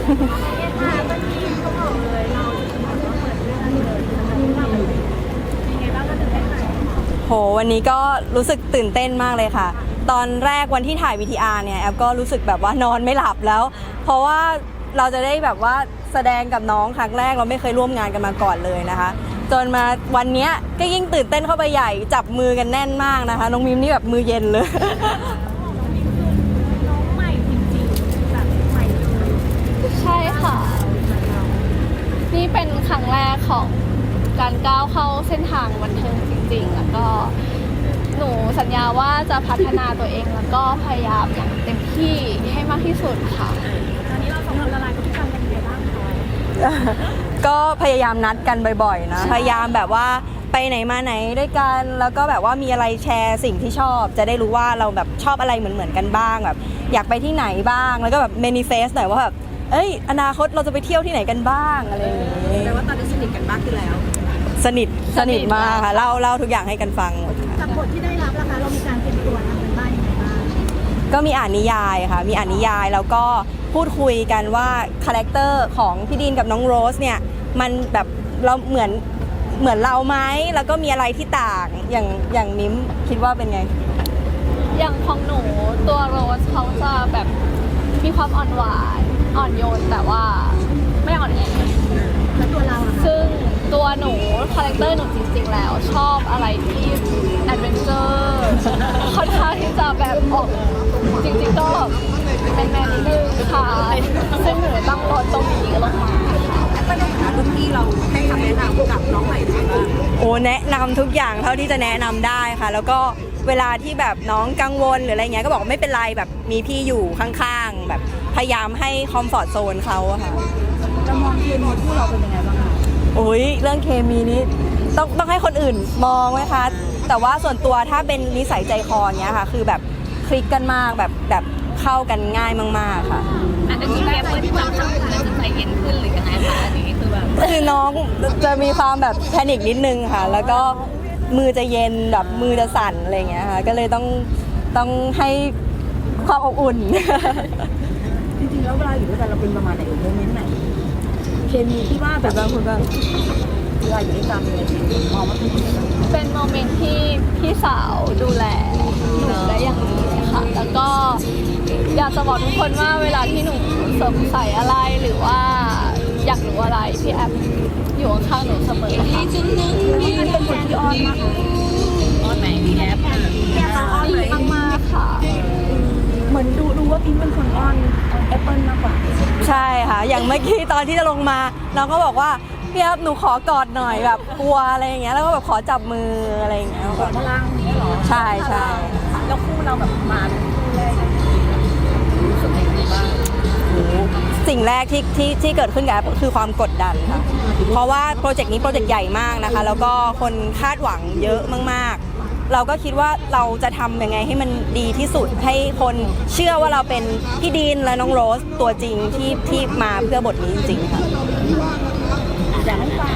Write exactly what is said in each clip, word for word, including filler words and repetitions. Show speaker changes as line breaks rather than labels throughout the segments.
ค่ะเมื่อกี้เขาบอกเลยเราจะบอกว่าเปิดเรื่องเลยเราเป็นยังไงบ้างก็ตื่นเต้นไหม
โหวันนี้ก็รู้สึกตื่นเต้นมากเลยค่ะ ตอนแรกวันที่ถ่าย วี ที อาร์ เนี่ยแอฟก็รู้สึกแบบว่านอนไม่หลับแล้ว เพราะว่าเราจะได้แบบว่าแสดงกับน้องครั้งแรกเราไม่เคยร่วมงานกันมาก่อนเลยนะคะ จนมาวันนี้ก็ยิ่งตื่นเต้นเข้าไปใหญ่จับมือกันแน่นมากนะคะน้องมิมนี่แบบมือเย็นเลย
น้องใหม่จริงๆแบบใหม่เลย
ใช่ค่ะ นี่เป็นครั้งแรกของการก้าวเข้าเส้นทางบันเทิงจริงๆ แล้วก็หนูสัญญาว่าจะพัฒนาตัวเองแล้วก็พยายามอย่างเต็มที่ให้มากที่สุดค่ะ
ตอนนี้เราสองคนละลายพฤติกรรมกันยังไงบ้างคะ
ก็พยายามนัดกันบ่อยๆนะพยายามแบบว่าไปไหนมาไหนด้วยกันแล้วก็แบบว่ามีอะไรแชร์สิ่งที่ชอบ จะได้รู้ว่าเราแบบชอบอะไรเหมือนๆกันบ้างแบบอยากไปที่ไหนบ้างแล้วก็แบบ manifest หน่อยว่าแบบเอ้ยอนาคตเราจะไปเที่ยวที่ไหนกันบ้างอะไรอย่างนี้
แปลว่าตอนนี้สนิทกันมากขึ้นแล้ว
สนิทสนิทมากค่ะเล่าเล่าทุกอย่างให้กันฟังหมดค่ะ
กับบทที่ได้รับนะคะเรามีการเตรียมตัวทำกันบ้างยังไงบ้าง
ก็มีอ่านนิยายค่ะมีอ่านนิยายแล้วก็พูดคุยกันว่าคาแรคเตอร์ของพี่ดีนกับน้องโรสเนี่ยมันแบบเราเหมือนเหมือนเราไหมแล้วก็มีอะไรที่ต่างอย่างอย่างมิ้มคิดว่าเป็นไง
อย่างของหนูตัวโรสเขาจะแบบมีความอ่อนหวานอ่อนโยนแต่ว่าไม่อ่อนแอ
แล้วตัวเราอะ
ซึ่งตัวหนูคาแรคเตอร์หนูจริงๆแล้วชอบอะไรที่แอดเวนเจอร์ค่อนข้างที่จะแบบออกจริงๆก็แมนๆนิดนึงค่ะซึ่งหนูตั้งรถตรงนี้ลงมาค่ะ
ในฐานะรุ่นพี่เราให้คำแนะนำกับน้องใหม่ยังไงบ้าง
โอ้แนะนำทุกอย่างเท่าที่จะแนะนำได้ค่ะ แล้วก็เวลาที่แบบน้องกังวลหรืออะไรเงี้ยก็บอกว่าไม่เป็นไรแบบมีพี่อยู่ข้างๆแบบพยายามให้คอมฟอร์ตโซนเขาอะค่ะ
เรามองเคมีคู่เราเป็นยังไงบ้างคะ
โอ้ยเรื่องเคมีนี้ต้องต้องให้คนอื่นมองไหมคะแต่ว่าส่วนตัวถ้าเป็นนิสัยใจคอเนี้ยค่ะคือแบบคลิกกันมากแบบแบบเข้ากันง่ายมากๆค่ะ
อันนี้แค่เปิดจับจับแล้วจะใจเย็นขึ้นหรือยังไงคะอันนี้คือแบบ
คือน้องจะมีความแบบแพนิคนิดนึงค่ะ แล้วก็มือจะเย็นแบบมือจะสั่นอะไรเงี้ยค่ะก็เลยต้องต้องให้ความอบอุ่น
จริงๆแล้วเวลาอยู่ด้วยกันเราเป็นประมาณไหนโมเมนต์ไหนเคมีที่ว่าแบบบางคนแบบเวลาอยู่ด้วยกันเลยมองว่าเป็นยังไงบ้าง
เป็นโมเมนต์ที่พี่สาวดูแลหนูได้อย่างดีค่ะ แล้วก็อยากจะบอกทุกคนว่าเวลาที่หนูสงสัยอะไรหรือว่าอยากรู้อะไรพี่แอฟอยู่ข้างๆหนูเสมอค่ะ
มันเป็นคนที่อ้อนมาก
อ้อนไหนมีแอป
แกต้องอ้อน
ดี
ไหม
มากๆค่ะ
เหมือนดูรู้ว่าพิมเป็นคนอ้อนแอปเปิลมากกว่า
ใช่ค่ะอย่างเมื่อกี้ตอนที่จะลงมาน้องก็บอกว่าพี่ครับหนูขอกอดหน่อยแบบกลัวอะไรอย่างเงี้ยแล้วก็แบบขอจับมืออะไรอย่างเงี้ยแบบ
พลังนี้เหรอ
ใช่ใช่
แล้วคู่เราแบบมาเป็นคู่แรกรู้สึกยังไงบ้าง
สิ่งแรกที่ที่ที่เกิดขึ้นกับแอปคือความกดดันค่ะเพราะว่าโปรเจกต์นี้โปรเจกต์ใหญ่มากนะคะแล้วก็คนคาดหวังเยอะมากๆ เราก็คิดว่าเราจะทำยังไงให้มันดีที่สุดให้คนเชื่อว่าเราเป็นพี่ดีนและน้องโรสตัวจริงที่ที่มาเพื่อบทนี้จริงๆค่ะ
อยากให้ฟัง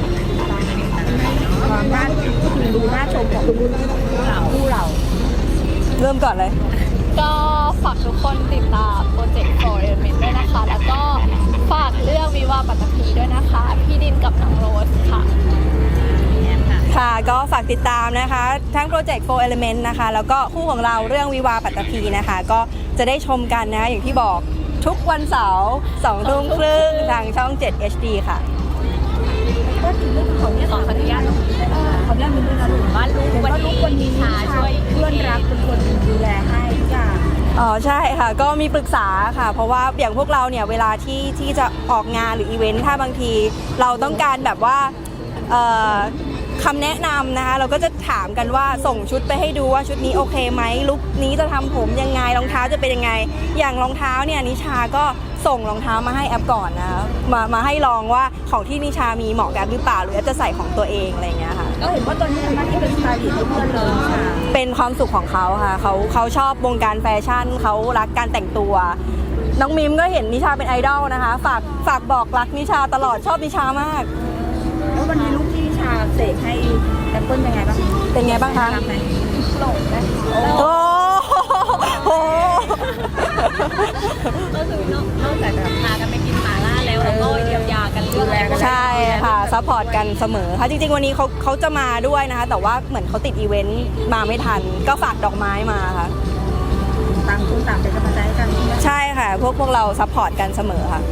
ความน่าดูน่าชมของคู่เราคู่เรา
เริ่มก่อนเลย
ก็ฝากทุกคนติดตามโปรเจกต์ for Element ด้วยนะคะ แล้วก็ฝากเรื่องวิวาห์ปัตตภีด้วยนะคะ พี่ดินกับน้องโรสค่ะ
ค่ะก็ฝากติดตามนะคะทั้งโปรเจกต์ โฟร์ Element นะคะแล้วก็คู่ของเราเรื่องวิวาห์ปัตตภีนะคะก็จะได้ชมกันนะคะอย่างที่บอกทุกวันเสาร์สองทุ่มครึ่งทางช่องเจ็ด เอช ดี ค่ะ
ก็ถึงเรื่องของเนี่ย
ขออนุญาต
ขออนุญาตมีด้วยนะลูก
ว่าลูกวันนี้
วันนี้
ชาช่วย
เพื่อนรักเป็นคนดูแลให้ทุกอย่าง
อ๋อใช่ค่ะก็มีปรึกษาค่ะ เพราะว่าอย่างพวกเราเนี่ยเวลาที่ที่จะออกงานหรืออีเวนต์ถ้าบางทีเราต้องการแบบว่าเอ่อคำแนะนำนะคะเราก็จะถามกันว่าส่งชุดไปให้ดูว่าชุดนี้โอเคไหมลุคนี้จะทำผมยังไงรองเท้าจะเป็นยังไง อย่างรองเท้าเนี่ยนิชาก็ส่งรองเท้ามาให้แอปก่อนนะคะมามาให้ลองว่าของที่นิชามีเหมาะกับแอปหรือเปล่าหรือแอปจะใส่ของตัวเองอะไรอย่างเงี้ยค่ะ
ก็เห็นว่าตอนนี้ทำหน้าที่เป็นสไตลิสต์ให้เพื่อนเลยค่ะ
เป็นความสุขของเขาค่ะเขาเขาชอบวงการแฟชั่นเขารักการแต่งตัว น้องมิมก็เห็นนิชาเป็นไอดอลนะคะฝากฝากบอกรักนิชาตลอดชอบนิชามาก
แล้ววันนี้ลูกที่นิชาเสกให้แอปเปิลเป็นไงบ้าง
เป็นไงบ้างคะ
รักไหม
หลงนะ
โอ้โห
ก็คือนอกนอกจากจะพากันไปกินหม่าล่าแล้วเราก็เยียวยากันเรื่องอะไร
ใช่ค่ะซัพพอร์ตกันเสมอค่ะจริงๆวันนี้เขาเขาจะมาด้วยนะคะแต่ว่าเหมือนเขาติดอีเวนต์มาไม่ทันก็ฝากดอกไม้มาค่ะ
ต่างคนต่างเป็นกำลังใจให้กันใช่ไหม
ใช่ค่ะ พวกพวกเราซัพพอร์ตกันเสมอค่ะ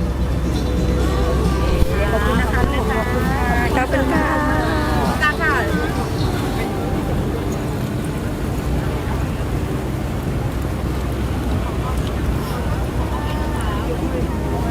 ขอบคุณนะคะลูกขอบคุณค่ะ
ขอบคุณค่ะ
ตาค่ะ
ค